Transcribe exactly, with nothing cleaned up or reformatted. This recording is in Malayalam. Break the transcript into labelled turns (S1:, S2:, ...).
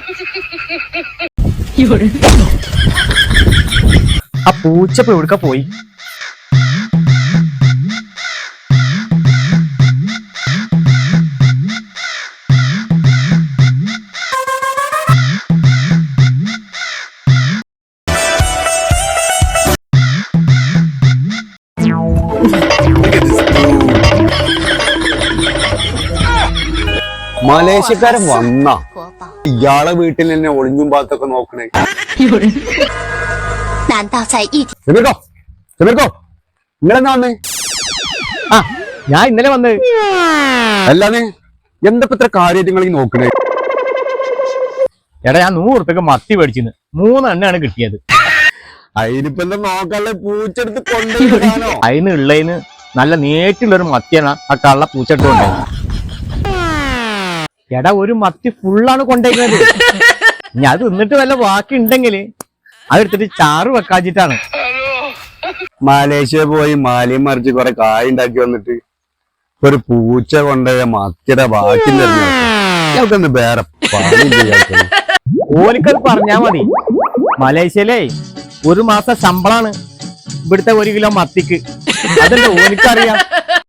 S1: ആ പൂച്ച ഇപ്പൊ എവിടുക്ക പോയി?
S2: മലേഷ്യക്കാരൻ വന്ന ഇയാളെ വീട്ടിൽ തന്നെ ഒളിഞ്ഞും പാത്തൊക്കെ നോക്കണേ. ചെമിർക്കോ ചെമിർക്കോ നിങ്ങളെന്നാ വന്നേ?
S1: ആ ഞാൻ ഇന്നലെ വന്നത്.
S2: അല്ലാതെ എന്തൊക്കെ ഇത്ര കാര്യങ്ങൾ നോക്കണേ?
S1: എടാ ഞാൻ നൂറ് ഉറുപ്പ്യക്ക് മത്തി മേടിച്ചിന്ന് മൂന്നെണ്ണാണ് കിട്ടിയത്.
S2: അതിനിപ്പോ എന്താ നോക്കാല്ലേ? പൂച്ചെടുത്ത് കൊണ്ടുപോകാനോ?
S1: അതിന് ഉള്ളതിന് നല്ല നേറ്റുള്ളൊരു മത്തിയാണ് ആ കള്ള പൂച്ചെടുത്ത് കൊണ്ടുപോയത്. എടാ ഒരു മത്തി ഫുള്ളാണ് കൊണ്ടുപോയത്. ഞാൻ അത് തിന്നിട്ട് വല്ല ബാക്കി ഉണ്ടെങ്കിൽ അതെടുത്തിട്ട് ചാറ് വെക്കാച്ചിട്ടാണ്.
S2: മലേഷ്യ പോയി മാലിയും മറിച്ച് കുറെ കായ് ഉണ്ടാക്കി വന്നിട്ട് ഒരു പൂച്ച കൊണ്ടുപോയ മത്തിയുടെ ബാക്കി ഞങ്ങൾക്കൊന്ന് വേറെ പണി ചെയ്യാത്ത.
S1: ഓനിക്കത് പറഞ്ഞാ മതി. മലേഷ്യയിലേ ഒരു മാസം ശമ്പളാണ് ഇവിടുത്തെ ഒരു കിലോ മത്തിക്ക്. അതല്ലേ ഓനിക്കറിയാം.